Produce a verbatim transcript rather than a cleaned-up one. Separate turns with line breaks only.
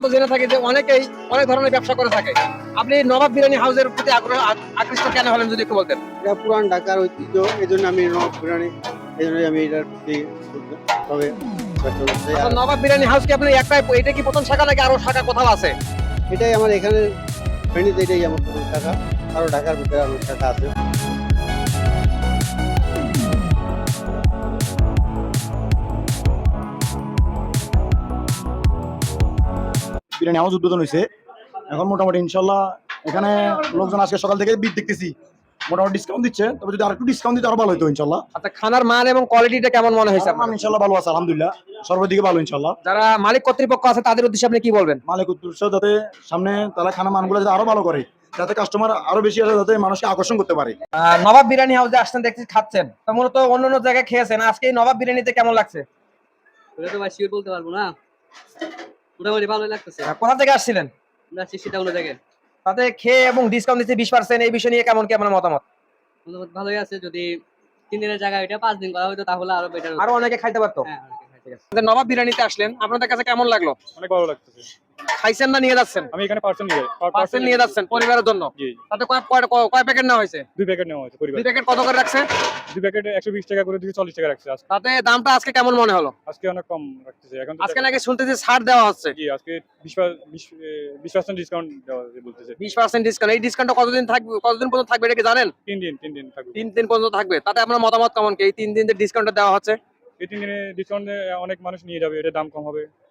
জেনে থাকি যে অনেকেই অনেক ধরনের ব্যবসা করে থাকে। আপনি নবাব বিরিয়ানি হাউসের প্রতি আগ্রহ আ- আকৃষ্ট কেন হলেন যদি একটু বলতেন?
এটা পুরান ঢাকার ঐতিহ্য, এই জন্য আমি নবাব বিরিয়ানি, এই জন্য আমি এটার প্রতি তবে ব্যবসা করতে চাই।
আচ্ছা,
আর
নবাব বিরিয়ানি হাউস কি আপনার একটাই, এটা কি প্রথম শাখা নাকি আরো শাখা কোথাও আছে?
এটাই আমার এখানে ফেনীতে, এটাই আমার প্রথম শাখা। আরো ঢাকার ভিতরে আরো শাখা আছে।
বিরিয়ানি হাউস উদ্বোধন হয়েছে। এখন মোটামুটি ইনশাল্লাহ এখানে লোকজন আজকে সকাল থেকে ভিড় দেখতেছি, মোটামুটি ডিসকাউন্ট দিচ্ছে। তবে যদি আরেকটু ডিসকাউন্ট দিতে আরো ভালো হতো ইনশাল্লাহ।
আচ্ছা, খানার মান এবং কোয়ালিটিটা কেমন মনে হয়েছে
আমার
আপনার?
ইনশাল্লাহ ভালো আছে, আলহামদুলিল্লাহ সর্বদিকে ভালো ইনশাল্লাহ।
যারা মালিক কর্তৃপক্ষ আছে তাদের উদ্দেশ্যে আপনি কি বলবেন?
মালিক উদ্দেশ্য যাতে সামনে তারা খানা মানগুলো যাতে আরো ভালো করে, যাতে কাস্টমার আরো বেশি আসে, যাতে মানুষকে আকর্ষণ করতে পারে।
আহ, নবাব বিরিয়ানি হাউসে আসছেন, দেখছি খাচ্ছেন, তো মূলত অন্য অন্য জায়গায় খেয়েছেন, আজকে এই নবাব বিরিয়ানিতে কেমন লাগছে?
ওটা তো ভাই শিওর বলতে পারবো না, মোটামুটি ভালোই লাগতেছে।
আহ, কোথা থেকে আসছিলেন?
আমরা সেটা অন্য জায়গায়
তাতে খেয়ে এবং ডিসকাউন্ট দিচ্ছে বিশ পার্সেন্ট, এই বিষয় নিয়ে কেমন কি আপনার মতামত?
মোটামুটি ভালোই আছে। যদি তিন দিনের জায়গায় এটা পাঁচ দিন করা হতো তাহলে আরো বেটার হতো।
আরো অনেকে খাইতে পারতো।
হ্যাঁ, অনেকে খাইতে গেছে।
যে নবাব বিরিয়ানিতে আসলেন, আপনাদের কাছে কেমন লাগলো?
অনেক ভালো লাগতেছে।
খাইছেন না নিয়ে যাচ্ছেন?
আমি এখানে পার্সেল নিয়ে
পার্সেল নিয়ে যাচ্ছেন পরিবারের জন্য?
জি,
তাতে কয় কয় কয়- কয় প্যাকেট নেওয়া হয়েছে?
দুই প্যাকেট নেওয়া হয়েছে পরিবার।
দুই প্যাকেট কত করে রাখছে?
দুই প্যাকেট একশো বিশ টাকা করে দুশো চল্লিশ টাকা রাখছে আজকে।
তাতে দামটা আজকে কেমন মনে হলো?
আজকে অনেক কম রাখতেছে এখন তো
আজকে নাকি শুনতেছি ছাড় দেওয়া হচ্ছে।
জি, আজকে বিশ বিশ পার্সেন্ট ডিসকাউন্ট দেওয়া হয়েছে বলতেছে।
বিশ পার্সেন্ট ডিসকাউন্ট, এই ডিসকাউন্টটা কতদিন থাকবে, কতদিন পর্যন্ত থাকবে এটা কি জানেন?
তিন দিন তিন দিন থাকবে।
তিন দিন পর্যন্ত থাকবে। তাতে আপনার মতামত কেমন কি এই তিন দিন যে ডিসকাউন্টটা দেওয়া হচ্ছে?
এই তিন দিনে ডিসকাউন্ট অনেক মানুষ নিয়ে যাবে, এটা দাম কম হবে।